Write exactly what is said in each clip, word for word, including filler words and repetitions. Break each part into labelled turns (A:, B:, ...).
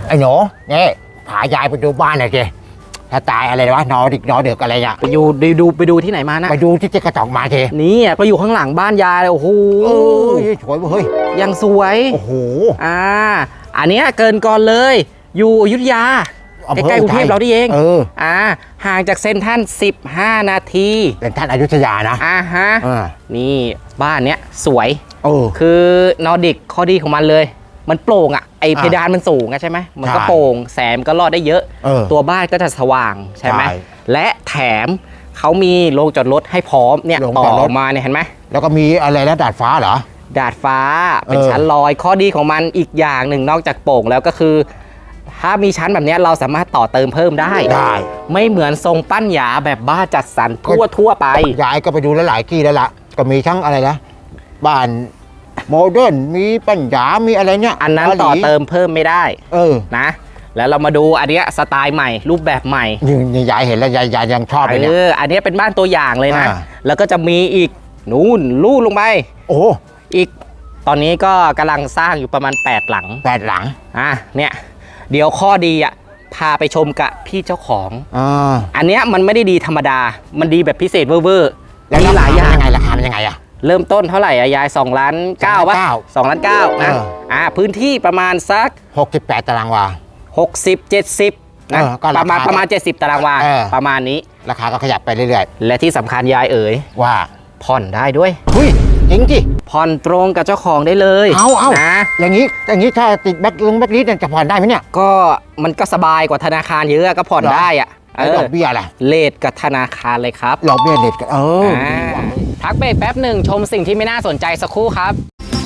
A: ไอ้หนูนี่พายายไปดูบ้านหน่อยสิถ้าตายอะไรวะนอดิกนอเดือกอะไรเนี่ย
B: ไปดูดูดูไปดูที่ไหนมานะ
A: ไปดูที่เจ๊กระจอกมาสิ
B: นี่ก็อยู่ข้างหลังบ้านยายเลยโอ้โห
A: สวยเฮ้ย
B: ยังสวย
A: โอ้โห
B: อ่าอันนี้เกินก่อนเลยอยู่อยุธยาใกล้ๆกรุงเทพเราดิเอง
A: เออ
B: อ่าห่างจากเซ็นทรัลสิบห้านาที
A: เป็นท่านอยุธยานะ
B: อ่าฮะนี่บ้านเนี้ยสวย
A: เออ
B: คือนอร์ดิกข้อดีของมันเลยมันโปร่งอ่ะไอเพดานมันสูงใช่ไหมมันก็โปร่งแสงก็รอดได้เยอะตัวบ้านก็จะสว่างใช่ไหมและแถมเขามีโรงจอดรถให้พร้อมเนี่ยต่อมาเนี่ยเห็นไหม
A: แล้วก็มีอะไรนะดาดฟ้าเหรอ
B: ดาดฟ้าเป็นชั้นลอยข้อดีของมันอีกอย่างหนึ่งนอกจากโปร่งแล้วก็คือถ้ามีชั้นแบบนี้เราสามารถต่อเติมเพิ่มได้
A: ได้
B: ไม่เหมือนทรงปั้นหยาแบบบ้านจัดสรรทั่วทั่วไป
A: ยายก็ไปดูหลายๆที่แล้วล่ะก็มีทั้งอะไรนะบ้านโมเดิร์นมีปัญญามีอะไรเนี่ย
B: อันนั้นต่อเติมเพิ่มไม่ได้
A: เออ
B: นะแล้วเรามาดูอันนี้สไตล์ใหม่รูปแบบใหม่
A: นี่ยายเห็นแล้วยายยายยังชอบเลยเนี่ย
B: อันนี้เป็นบ้านตัวอย่างเลยนะแล้วก็จะมีอีกนู่นลู่ลงไป
A: โอ้
B: อีกตอนนี้ก็กำลังสร้างอยู่ประมาณแปดหลัง
A: แปดหลัง
B: อ่ะเนี่ยเดี๋ยวข้อดีอ่ะพาไปชมกับพี่เจ้าของอ่าอันเนี้ยมันไม่ได้ดีธรรมดามันดีแบบพิเศษเวอร์ๆ
A: แล้วหลายอย่างยังไงราคาเป็นยังไงอะ
B: เริ่มต้นเท่าไหร่อะยายสองล้านเก้าป่ะสองล้านเก้านะอ่าพื้นที่ประมาณสัก
A: หกสิบแปดตารางวา
B: หกสิบเจ็ดสิบนะประมาณประมาณเจ็ดสิบตารางวาประมาณนี้
A: ราคาก็ขยับไปเรื่อย
B: ๆและที่สำคัญยายเอ๋ย
A: ว่า
B: ผ่อนได้ด้วย
A: เฮ้ยจริงจิ
B: ผ่อนตรงกับเจ้าของได้เลย
A: เอาเอานะอย่างนี้อย่างนี้ถ้าติดแบ็คลงแบ็คลิสต์จะผ่อนได้ไหมเนี่ย
B: ก็มันก็สบายกว่าธนาคารเยอะก็ผ่อนได้อะ
A: ดอกเบี้ยอะไร
B: เลทกับธนาคารเลยครับ
A: ดอกเบี้ยเลทกันเออ
B: พักเบรกแป๊บหนึ่งชมสิ่งที่ไม่น่าสนใจสักครู่ครับ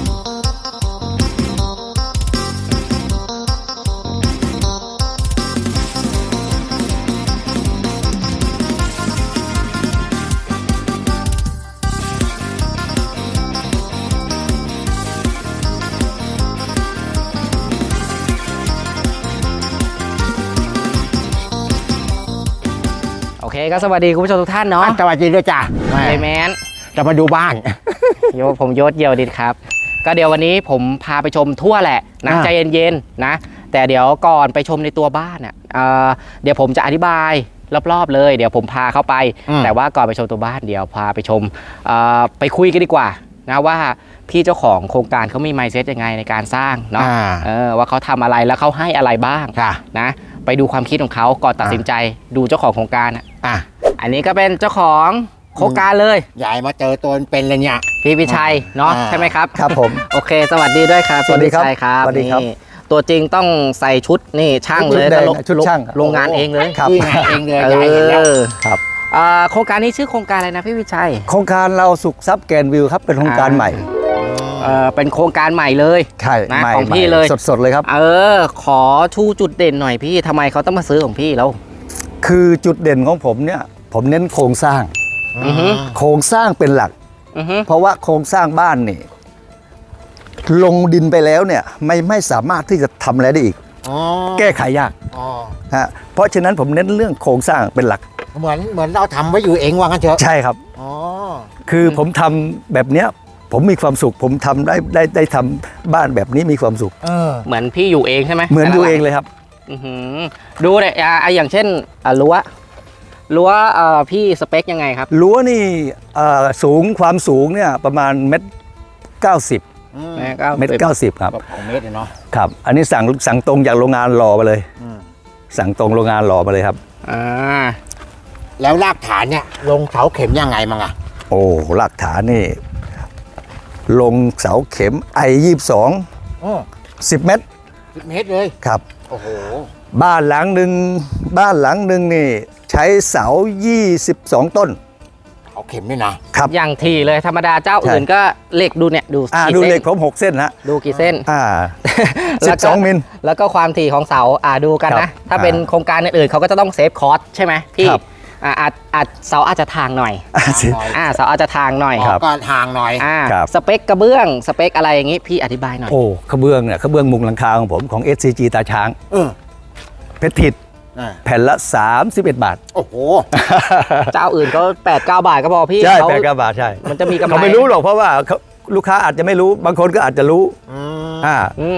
B: โอเคก็สวัสดีคุณผู้ชมทุกท่านเนาะ
A: สวัสดีด้วยจ้า
B: เยแมน
A: จะมาดูบ้าน
B: โยผมยศเยียวดิครับก็เดี๋ยววันนี้ผมพาไปชมทั่วแหละนะใจเย็นๆนะแต่เดี๋ยวก่อนไปชมในตัวบ้านอ่ะเดี๋ยวผมจะอธิบายรอบๆเลยเดี๋ยวผมพาเข้าไปแต่ว่าก่อนไปชมตัวบ้านเดี๋ยวพาไปชมไปคุยกันดีกว่านะว่าพี่เจ้าของโครงการเขามีไมซ์เซ็ตยังไงในการสร้างเนาะว่าเขาทำอะไรแล้วเขาให้อะไรบ้างนะไปดูความคิดของเขาก่อนตัดสินใจดูเจ้าของโครงการอ่ะอันนี้ก็เป็นเจ้าของโครงการเลย
A: ใหญ่มาเจอตัวเป็นเลยเนี่ย
B: พี่พิชัยเนาะใช่ไหมครับ
C: ครับผม
B: โอเคสวัสดีด้วยครับ
C: สวัสดีครับ
B: สวัสดีครับตัวจริงต้องใส่ชุดนี่ช่างเลย
C: ชุดช่าง
B: โรงงานเองเลย
A: ครับงานเองเลยใหญ่เห็นแล้ว
C: ครับ
B: โครงการนี้ชื่อโครงการอะไรนะพี่พิชัย
C: โครงการเราสุขทรัพย์แกนวิวครับเป็นโครงการใหม่
B: เป็นโครงการใหม่เลย
C: ใช่
B: นะของพี่เลย
C: สดๆเลยครับ
B: เออขอชูจุดเด่นหน่อยพี่ทำไมเขาต้องมาซื้อของพี่แล้ว
C: คือจุดเด่นของผมเนี่ยผมเน้นโครงสร้างโครงสร้างเป็นหลักเพราะว่าโครงสร้างบ้านนี่ลงดินไปแล้วเนี่ยไม่ไม่สามารถที่จะทำอะไรได้อีกแก้ไขยากฮะเพราะฉะนั้นผมเน้นเรื่องโครงสร้างเป็นหลัก
A: เหมือนเหมือนเราทำไว้อยู่เองว่างั้นเถอะ
C: ใช่ครับคือผมทำแบบเนี้ยผมมีความสุขผมทำได้ได้ได้ทำบ้านแบบนี้มีความสุข
B: เหมือนพี่อยู่เองใช่ไหม
C: เหมือนอยู่เองเลยครับ
B: ดูเลยอย่างเช่นรั้วรั้วพี่สเปคยังไงครับ
C: รั้วนี่สูงความสูงเนี่ยประมาณเมตรเก้าสิบเมตรเก้าสิบครับ
A: ของเมตรเนาะ
C: ครับอันนี้สั่งสั่งตรงจากโรงงานหล่อมาเลยสั่งตรงโรงงานหล่อมาเลยครับ
B: อ่า
A: แล้วรากฐานเนี่ยลงเสาเข็มยังไงมั้งอ่ะ
C: โอ้รากฐานนี่ลงเสาเข็มไอยี่สิบสองสิบเมตร
A: สิบเมตรเลย
C: ครับ
A: โอ้โห
C: บ้านหลังหนึ่งบ้านหลังหนึ่งนี่ใช้เสายี่สิบสองต้น
A: เอาเข็มด้วยนะครับ
B: อย่างทีเลยธรรมดาเจ้าอื่นก็เหล็กดูเนี่ยดู
C: อ่าดูเหล็กผมหกเส้นนะ
B: ดูกี่เส้น
C: อ่าสิบสองมิล
B: แล้วก็ความถี่ของเสาอ่าดูกันนะถ้าเป็นโครงการอื่นเขาก็จะต้องเซฟคอสใช่ไหมพี่อ่าอาจอาจเสาอาจจะทางหน่อยอ่าเสาอาจจะทางหน่อย
A: ก็ทางหน่อย
B: อ่าสเปคกระเบื้องสเปคอะไรอย่างงี้พี่อธิบายหน่อย
C: โอ้กระเบื้องเนี่ยกระเบื้องมุงหลังคาของผมของ เอส ซี จี ตาช้างเพชรทิดแผ่นละสามสิบเอ็ดบาท
A: โอ้โห
B: เจ้าอื่นก็แปดเก้าบาทก็พอพี่
C: ใช่แปดเก้าบาทใช่
B: มันจะมีกำไร
C: เขาไม่รู้หรอกเพราะว่าลูกค้าอาจจะไม่รู้บางคนก็อาจจะรู้
B: อ่าอืม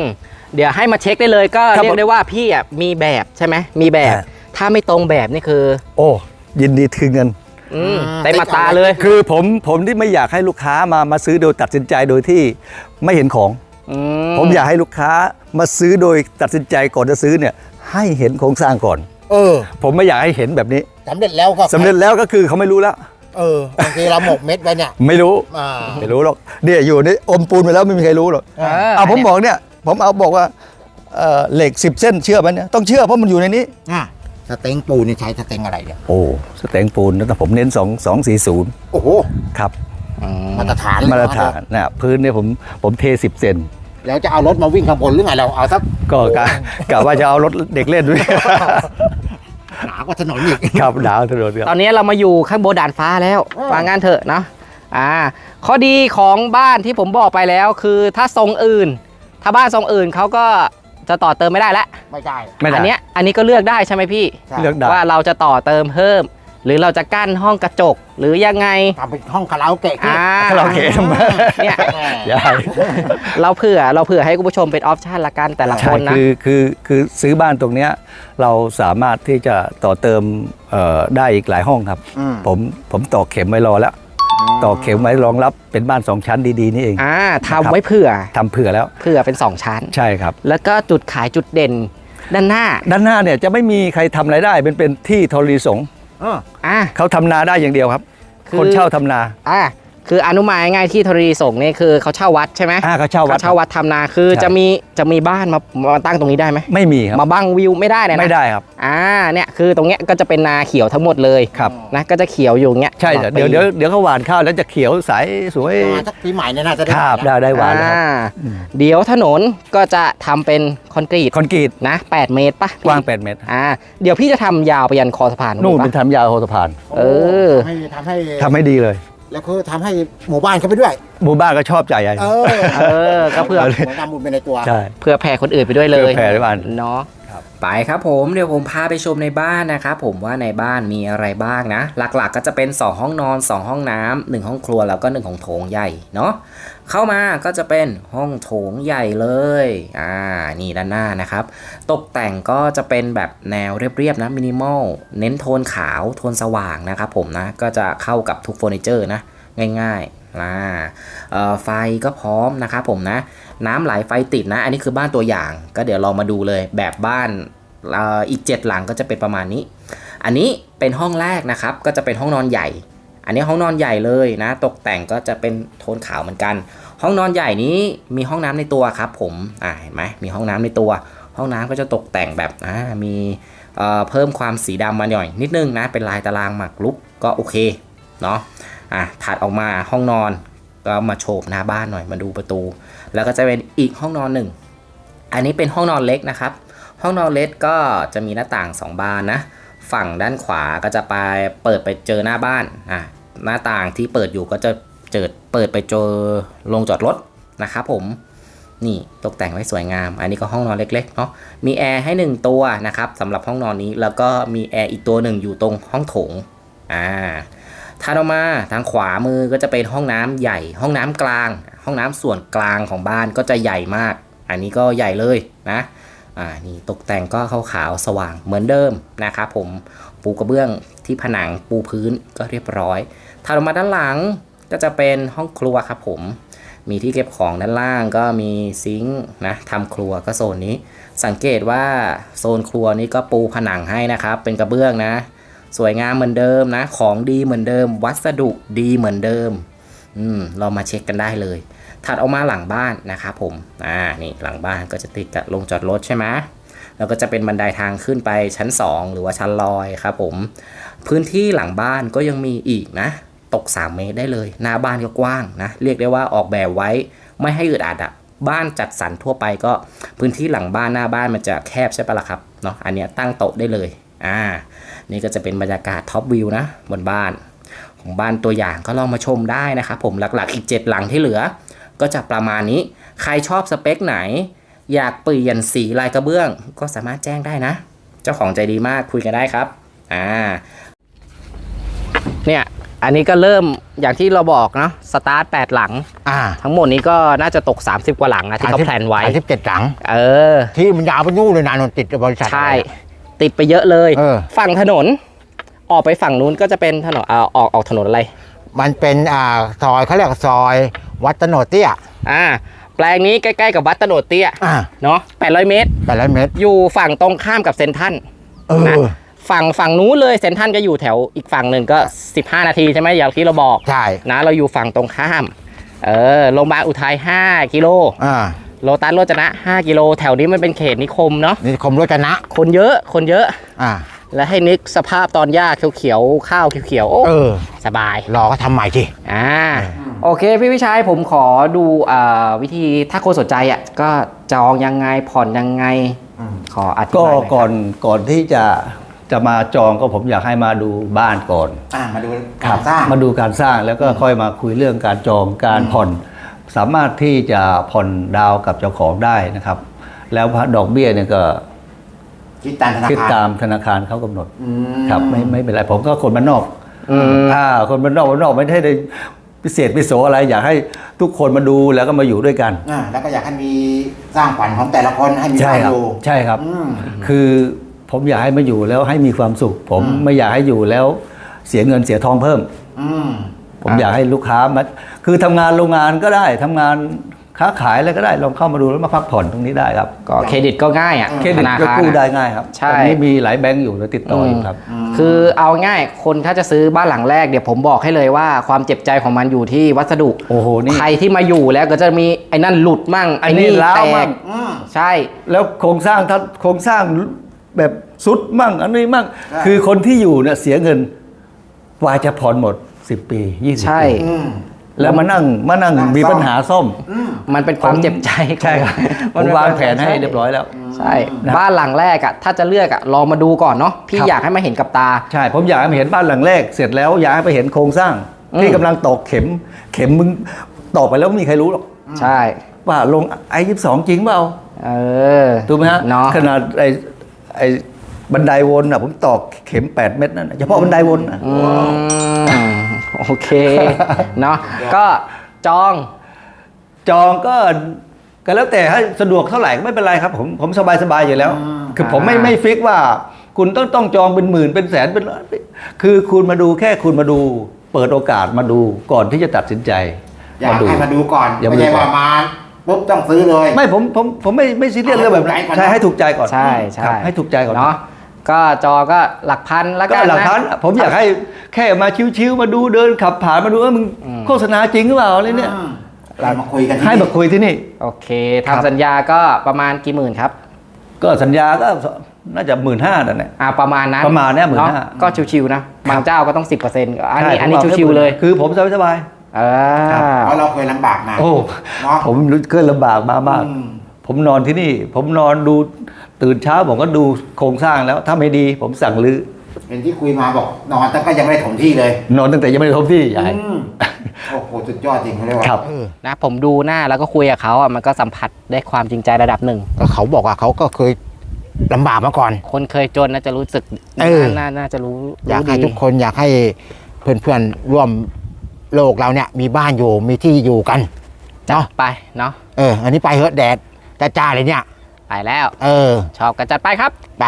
B: เดี๋ยวให้มาเช็คได้เลยก็
C: ครับ
B: เรียกได้ว่าพี่อ่ะมีแบบใช่ไหมมีแบบ
C: อ่า
B: ถ้าไม่ตรงแบบนี่คือ
C: โอ้ยินดีคืนเงิน
B: อืม
A: อ่า
B: เต็มมาตราเลย
C: คือผมผมที่ไม่อยากให้ลูกค้ามามาซื้อโดยตัดสินใจโดยที่ไม่เห็นของ
B: อื
C: ผมอยากให้ลูกค้ามาซื้อโดยตัดสินใจก่อนจะซื้อเนี่ยให้เห็นโครงสร้างก่อน
A: เออ
C: ผมไม่อยากให้เห็นแบบนี้
A: สำเร็จแล้วก็
C: สำเร็จแล้วก็คือเขาไม่รู้แล้ว
A: เออบางทีเราหมกเม็ดไว้เนี่ย
C: ไม่รู้
A: อ่า
C: ไม่รู้หรอกเนี่ยอยู่ในอมปูนไปแล้วไม่มีใครรู้หรอก
B: เออ
C: เอาผมบอกเนี่ยผมเอาบอกว่าเอ่อเหล็กสิบเส้นเชื่อไหมเนี่ยต้องเชื่อเพราะมันอยู่ในนี้
A: อ่ะสเต็งปูนี่ใช้สเต็งอะไรเนี่ย
C: โอ้สแตงปูนแต่ผมเน้นสองสองสี่ศูนย์
A: โอ้โห
C: ครับ
B: อืม
A: มาตรฐานเลย
C: มาตรฐานนะพื้นเนี่ยผมผมเทสิบเซน
A: แล้วจะเอารถมาวิ่งข้างบนหรือไงเราเอาสัก
C: ก็กะกะว่าจะเอารถเด็กเล่นด้วย
A: หนากว่าถนนอีก
C: ครับดาวถนนค
B: ต
C: รั
B: อบ นนี้เรามาอยู่ข้างบนด่านฟ้าแล้ว
A: อืม
B: ว่างั้นเถอะเนาะอ่าข้อดีของบ้านที่ผมบอกไปแล้วคือถ้าทรงอื่น ถ้าบ้านทรงอื่นเขาก็จะต่อเติมไม่ได้แล้ว
A: ไม่ได้
C: ไม่ได้
B: อันเนี้ยอันนี้ก็เลือกได้ใช่ไหมพี่
A: ใช่
C: เลือกได้
B: ว่าเราจะต่อเติมเพิ่ม หรือเราจะกั้นห้องกระจกหรือยังไง
A: ทำเป็นห้องคาราโอเกะ
B: อ่า
C: คาราโอเกะทำไม
B: เนี่ย
C: ใช่
B: เราเผื่อเราเผื่อให้คุณผู้ชมเป็นออปชันละกันแต่ละค
C: ใช่
B: นนะ
C: คือคือคือซื้อบ้านตรงเนี้ยเราสามารถที่จะต่อเติมเอ่อได้อีกหลายห้องครับ
A: อืม
C: ผมผมต่อเข็มไว้รอแล้ว ต่อเข็มไว้รองรับเป็นบ้านสองชั้นดีๆนี่เอง
B: อ่าทำไว้เผื่อ
C: ทำเผื่อแล้ว
B: เผื่อเป็นสองชั้น
C: ใช่ครับ
B: แล้วก็จุดขายจุดเด่นด้านหน้า
C: ด้านหน้าเนี่ยจะไม่มีใครทำอะไรได้เป็นเป็นที่ธรณีสงฆ์
A: เออ
B: อ่า
C: เขาทำนาได้อย่างเดียวครับ
B: คือ
C: คนเช่าทำนา
B: อ่าคืออนุมายง่ายที่ธรณีสงฆ์นี่คือเขาเช่าวัดใช่ไหม
C: อ่าเขาเช่าวัด
B: เขาเช่าวัดทำนาคือ
C: ใช่
B: จะมีจะมีบ้านมามาตั้งตรงนี้ได้ไหม
C: ไม่มีครับ
B: มาบังวิวไม่ได้เลยนะ
C: ไม่ได้ครับ
B: อ่าเนี่ยคือตรงเนี้ยก็จะเป็นนาเขียวทั้งหมดเลย
C: ครับ
B: นะก็จะเขียวอยู่อย่างเงี้ย
C: ใช่
B: ตลอ
C: เดี๋ยว
B: ปี
C: เดี๋ยวเดี๋ยวเขาหวานข้าวแล้วจะเขียวใสสวย
A: มาสักปีใหม่เนี่ยน่าจะได้
C: ครับได้ได้หวานแล้วครับ
B: อ่า
C: อืม
B: เดี๋ยวถนนก็จะทำเป็นคอนกรีต
C: คอนกรีต
B: นะแปดเมตรปะ
C: กว้างแปดเมตร
B: อ่าเดี๋ยวพี่จะทำยาวไปยันคอสะพาน
C: นู่น
B: ปะ
C: เป็นทำยาวโหสะพาน
B: เออ
A: ทำให้ทำให้
C: ทำให้ดีเลย
A: แล้วก็ทำให้หมู่บ้านเขาไปด้วย
C: หมู่บ้านก็ชอบใจใหญ่
A: เออ
B: เออก็เพื่อ
A: เหมือนทำบุญไปในตัว
C: ใช่
B: เพื่อแผ่คนอื่นไปด้วยเลย
C: เพื่อแผ่ด้วยกัน
B: เนาะไปครับผมเดี๋ยวผมพาไปชมในบ้านนะครับผมว่าในบ้านมีอะไรบ้างนะ หลักๆก็จะเป็นสองห้องนอนสองห้องน้ำหนึ่งห้องครัวแล้วก็หนึ่งของโถงใหญ่เนาะเข้ามาก็จะเป็นห้องโถงใหญ่เลยอ่านี่ด้านหน้านะครับตกแต่งก็จะเป็นแบบแนวเรียบๆนะมินิมอลเน้นโทนขาวโทนสว่างนะครับผมนะก็จะเข้ากับทุกเฟอร์นิเจอร์นะง่ายๆอ่าเอ่อไฟก็พร้อมนะครับผมนะน้ำไหลไฟติดนะอันนี้คือบ้านตัวอย่างก็เดี๋ยวเรามาดูเลยแบบบ้านเอ่ออีกเจ็ดหลังก็จะเป็นประมาณนี้อันนี้เป็นห้องแรกนะครับก็จะเป็นห้องนอนใหญ่อันนี้ห้องนอนใหญ่เลยนะตกแต่งก็จะเป็นโทนขาวเหมือนกันห้องนอนใหญ่นี้มีห้องน้ำในตัวครับผมอ่าเห็นไหมมีห้องน้ำในตัวห้องน้ำก็จะตกแต่งแบบอ่ามีเอ่อเพิ่มความสีดำมาหน่อยนิดนึงนะเป็นลายตารางหมากรุกก็โอเคเนาะอ่ะถัดออกมาห้องนอนก็มาโฉบหน้าบ้านหน่อยมาดูประตู แล้วก็จะเป็นอีกห้องนอนหนึ่งอันนี้เป็นห้องนอนเล็กนะครับห้องนอนเล็กก็จะมีหน้าต่างสองบานนะฝั่งด้านขวาก็จะไปเปิดไปเจอหน้าบ้านอ่ะหน้าต่างที่เปิดอยู่ก็จะเจิดเปิดไปเจอโรงจอดรถนะครับผมนี่ตกแต่งไว้สวยงามอันนี้ก็ห้องนอนเล็กๆเนาะมีแอร์ให้หนึ่งตัวนะครับสำหรับห้องนอนนี้แล้วก็มีแอร์อีกตัวหนึ่งอยู่ตรงห้องโถงอ่าถัดออกมาทางขวามือก็จะเป็นห้องน้ำใหญ่ ห้องน้ำกลาง ห้องน้ำส่วนกลางของบ้านก็จะใหญ่มากอันนี้ก็ใหญ่เลยนะอ่านี่ตกแต่งก็ขาวๆสว่างเหมือนเดิมนะครับผมปูกระเบื้องที่ผนังปูพื้นก็เรียบร้อยถัดออกมาด้านหลังก็จะเป็นห้องครัวครับผมมีที่เก็บของด้านล่างก็มีซิงค์นะทำครัวก็โซนนี้สังเกตว่าโซนครัวนี้ก็ปูผนังให้นะครับเป็นกระเบื้องนะสวยงามเหมือนเดิมนะของดีเหมือนเดิมวัสดุดีเหมือนเดิมอืมเรามาเช็คกันได้เลยถัดออกมาหลังบ้านนะครับผมอ่านี่หลังบ้านก็จะติดกับโรงจอดรถใช่ไหมแล้วก็จะเป็นบันไดทางขึ้นไปชั้นสองหรือว่าชั้นลอยครับผมพื้นที่หลังบ้านก็ยังมีอีกนะตกสามเมตรได้เลยหน้าบ้านก็กว้างนะเรียกได้ว่าออกแบบไว้ไม่ให้อึดอัดอะบ้านจัดสรรทั่วไปก็พื้นที่หลังบ้านหน้าบ้านมันจะแคบใช่ปะล่ะครับเนาะอันเนี้ยตั้งโต๊ะได้เลยอ่านี่ก็จะเป็นบรรยากาศท็อปวิวนะบนบ้านของบ้านตัวอย่างก็ลองมาชมได้นะครับผมหลักๆอีกเจ็ดหลังที่เหลือก็จะประมาณนี้ใครชอบสเปคไหนอยากเปลี่ยนสีลายกระเบื้องก็สามารถแจ้งได้นะเจ้าของใจดีมากคุยกันได้ครับอ่าเนี่ยอันนี้ก็เริ่มอย่างที่เราบอกเนาะสตาร์ทแปดหลัง
A: อ่า
B: ทั้งหมดนี้ก็น่าจะตก สามสิบ กว่าหลังนะที่เขาแพลนไว้
A: สามสิบเจ็ดหลัง
B: เออ
A: ที่มันยาวไปนู่นเลยนะนนติดบริษัท
B: ใช่ ติดไปเยอะเลย
A: เออ
B: ฝั่งถนน ออกไปฝั่งนู้นก็จะเป็นถนนอ่าออกออกถนนอะไร
A: มันเป็นอ่าซอยเขาเรียกซอยวัดตโนดเตี้ย
B: อ่า แปลงนี้ใกล้ๆกับวัดตโนดเตี้ย
A: อ่า
B: เนาะแปดร้อยเมตร
A: แปดร้อยเมตร
B: อยู่ฝั่งตรงข้ามกับเซนทรัล
A: เออ
B: นะฝั่งฝั่งนู้นเลยเซนทรัลก็อยู่แถวอีกฝั่งหนึ่งก็ สิบห้า นาทีใช่ไหมอย่างที่เราบอก
A: ใช่
B: นะเราอยู่ฝั่งตรงข้าม เออโรงพยาบาลอุทัยห้ากิโล
A: อ่า
B: โลตัสโรจนะห้ากิโลแถวนี้มันเป็นเขตนิคมเนาะ
A: นี่คมรจนะ
B: คนเยอะคนเยอะ
A: อ่า
B: และให้นึกสภาพตอนหญ้าเขียวๆข้าวเขียวๆโอ้
A: เออ
B: สบาย
A: รอก็ทำใหม่สิ
B: อ่าโอเคพี่วิชัยผมขอดูอ่าวิธีถ้าคนสนใจอ่ะก็จองยังไงผ่อนยังไง
A: อืม
B: ขออธิ
C: ก็
B: บายหน่อย
C: ก่อนก่อนที่จะจะมาจองก็ผมอยากให้มาดูบ้านก่อน
A: อ่ามาดูการสร้าง
C: มาดูการสร้างแล้วก็ค่อยมาคุยเรื่องการจองการผ่อน สามารถที่จะผ่อนดาวกับเจ้าของได้นะครับ แล้วดอกเบี้ยเนี่ยก็
A: คิดตามธนา
C: คิด
A: คาร
C: ตามธนาคารเขากำหนด
A: อืม
C: ครับไม่ไม่เป็นไรผมก็คนบ้านนอก
B: อืม
C: อ่าคนบ้านนอกบ้านนอกไม่ได้ได้พิเศษพิโสอะไร อยากให้ทุกคนมาดูแล้วก็มาอยู่ด้วยกัน
A: อ่าแล้วก็อยากให้มีสร้างฝันของแต่ละคนให้มี
C: ใช่
A: ความ
C: ครับ
A: รู้
C: ใช่ครับ
A: อืม
C: คือผมอยากให้มาอยู่แล้วให้มีความสุข ผม
A: อืม
C: ไม่อยากให้อยู่แล้วเสียเงินเสียทองเพิ่ม
A: อืม
C: ผมอยากให้ลูกค้ามาคือทำงานโรงงานก็ได้ทำงานค้าขายอะไรก็ได้ลองเข้ามาดูแล้วมาพักผ่อนตรงนี้ได้ครับ
B: ก็เครดิตก็ง่ายอ่ะ
C: เครดิต
B: ธนา
C: ก็
B: คาร
C: กู้ได้
B: อะ
C: ง่ายครับ
B: ใช่
C: ตอนนี้มีหลายแบงก์อยู่แล้วติดต่ออยู่ครับ
B: คือเอาง่ายคนถ้าจะซื้อบ้านหลังแรกเดี๋ยวผมบอกให้เลยว่าความเจ็บใจของมันอยู่ที่วัสดุ
C: โอ้โหนี่
B: ใครที่มาอยู่แล้วก็จะมีไอ้นั่นหลุดมั่ง
C: อั
B: ไอ้
C: นนี้
B: นี่
C: ร้าว
B: แต
C: มั่
B: ก
C: ง
A: อืม
B: ใช่
C: แล้วโครงสร้างถ้าโครงสร้างแบบสุดมั่งอันนี้มั่ง
A: ใช่
C: คือคนที่อยู่เนี่ยเสียเงินกว่าจะผ่อนหมดสิบปียี่สิบ
B: ใช่
C: ปี
A: อืม
C: แล้วมานั่งมานั่ง
A: นั่ง
C: มี
A: ซ่อม
C: ปัญหาซ่อม
A: อืม
B: มันเป็นความเจ็บใจ
C: ใช่ครับผ
B: มัน
C: ม
B: เป็น
C: วาง
B: คว
C: แผนให้เรียบร้อยแล้ว
B: ใช่
C: นะ
B: บ้านหลังแรกอ่ะถ้าจะเลือกอ่ะลองมาดูก่อนเนาะพี่
C: ครับ
B: อยากให้มาเห็นกับตา
C: ใช่ ผมอยากให้เห็นบ้านหลังแรก เสร็จแล้วอยากให้ไปเห็นโครงสร้าง
B: อืม
C: ที่กำลังตอกเข็ม เข็มมึงตอกไปแล้วไม่มีใครรู้หรอก
B: ใช่
C: ว่าลงไอ้ยี่สิบสองจริงเปล่า
B: เออ
C: ถูกไหมฮะ
B: เนาะ
C: ขนาดไอ้ไอ้บันไดวนอ่ะผมตอกเข็มแปดเม็ดนั่นน่ะเฉพาะบันไดวนน่ะ
B: อืมโอเค เนาะก็จอง
C: จองก็ก็แล้วแต่ให้สะดวกเท่าไหร่ก็ไม่เป็นไรครับ ผมผมสบายสบายอยู่แล้ว
A: อืม
C: คือผมไม่
B: อ่า
C: ไม่ฟิกว่า คุณต้องต้องจองเป็นหมื่นเป็นแสนเป็นล้านคือคุณมาดูแค่คุณมาดู เปิดโอกาสมาดูก่อนที่จะตัดสินใจ
A: อยากให้มาดูก่อน
C: อย่า
A: ไม่
C: มาดู
A: ใช่
C: ก่อ
A: ว่าน มาปุ๊บต้องซื้อเลย
C: ไม่ผมผมผมไม่ไม่ซีเรียสเรื่องแบบนั้น
A: ให้ถูกใจก่อน
C: ใช่ให้ถูกใจก่อน
B: ใช่ใช่
C: ครับให้ถูกใจก่อน
B: เนาะก็จอก็หลักพันแล้ว
C: ก็
B: กัน
C: หลัก
B: นะ
C: ฐานผมอยากให้แค่มาชิวๆมาดูเดินขับผ่านมาดูว่ามึง
B: อืม
C: โฆษณาจริงหรือเปล่าอะไรเนี่ย
A: อืมเรามาคุยกันที่
C: ให้มาคุยที่นี่
B: โอเค
C: ครับ
B: ทำสัญญาก็ประมาณกี่หมื่นครับ
C: ก็สัญญาก็น่าจะหมื่นห้านั่นแหละ
B: อ่าประมาณนั้น
C: ประมาณเนี้ยหมื่นห้า
B: เนาะก็ชิวๆนะบางเจ้าก็ต้อง สิบเปอร์เซ็นต์ อันนี้
C: ใช่
B: อันนี้
C: ผมว่า
B: ชิวๆเลย
C: คือผมสบายสบาย
B: เออ
A: เพราะเราเคยลำบากมา
C: โอ้
A: เนาะ
C: ผมรู้เคยลำบากมามาก
A: อืม
C: ผมนอนที่นี่ ผมนอนดูตื่นเช้าผมก็ดูโครงสร้างแล้ว ถ้าไม่ดี ผมสั่งรื้อ
A: เป็นที่คุยมาบอกนอนแต่ก็ยังไม่ได้ถมที่เลย
C: นอนตั้งแต่ยังไม่ได้ทบที่ใหญ่
A: อืมโอ้โหสุดยอดจริงเขาเรียกว่า
C: ครับ
A: เออ
B: นะผมดูหน้าแล้วก็คุยกับเขาอ่ะมันก็สัมผัสได้ความจริงใจระดับหนึ่ง
A: ก็เขาบอกว่าเขาก็เคยลำบากมาก่อน
B: คนเคยจนน่าจะรู้สึก
A: เออ
B: น่าน่าจะรู้
A: อยาก
B: รู้
A: ให้
B: ดี
A: ทุกคนอยากให้เพื่อนๆร่วมโลกเราเนี่ยมีบ้านอยู่มีที่อยู่กัน
B: จัด
A: เนาะ
B: ไปเนาะ
A: เออ อันนี้ไปเหอะแดดจ้าๆเลยเนี่ย
B: ไปแล้ว
A: เออ
B: ชอบกันจัดไปครับ
A: ไป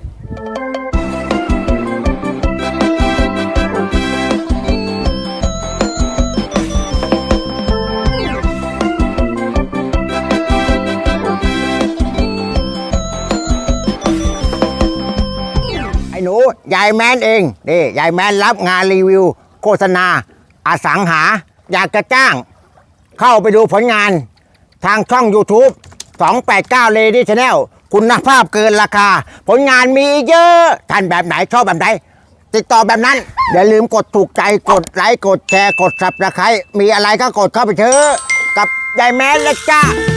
A: ไอ้หนูยายแมนเองนี่ยายแมนรับงานรีวิว โฆษณา อสังหา อยากจะจ้าง เข้าไปดูผลงาน ทางช่อง YouTube สองแปดเก้า Lady Channel คุณภาพเกินราคา ผลงานมีเยอะ ท่านแบบไหนชอบแบบไหน ติดต่อแบบนั้น อย่าลืมกดถูกใจกดไลค์กดแชร์กด Subscribe มีอะไรก็กดเข้าไปเถอะกับยายแมนนะจ้า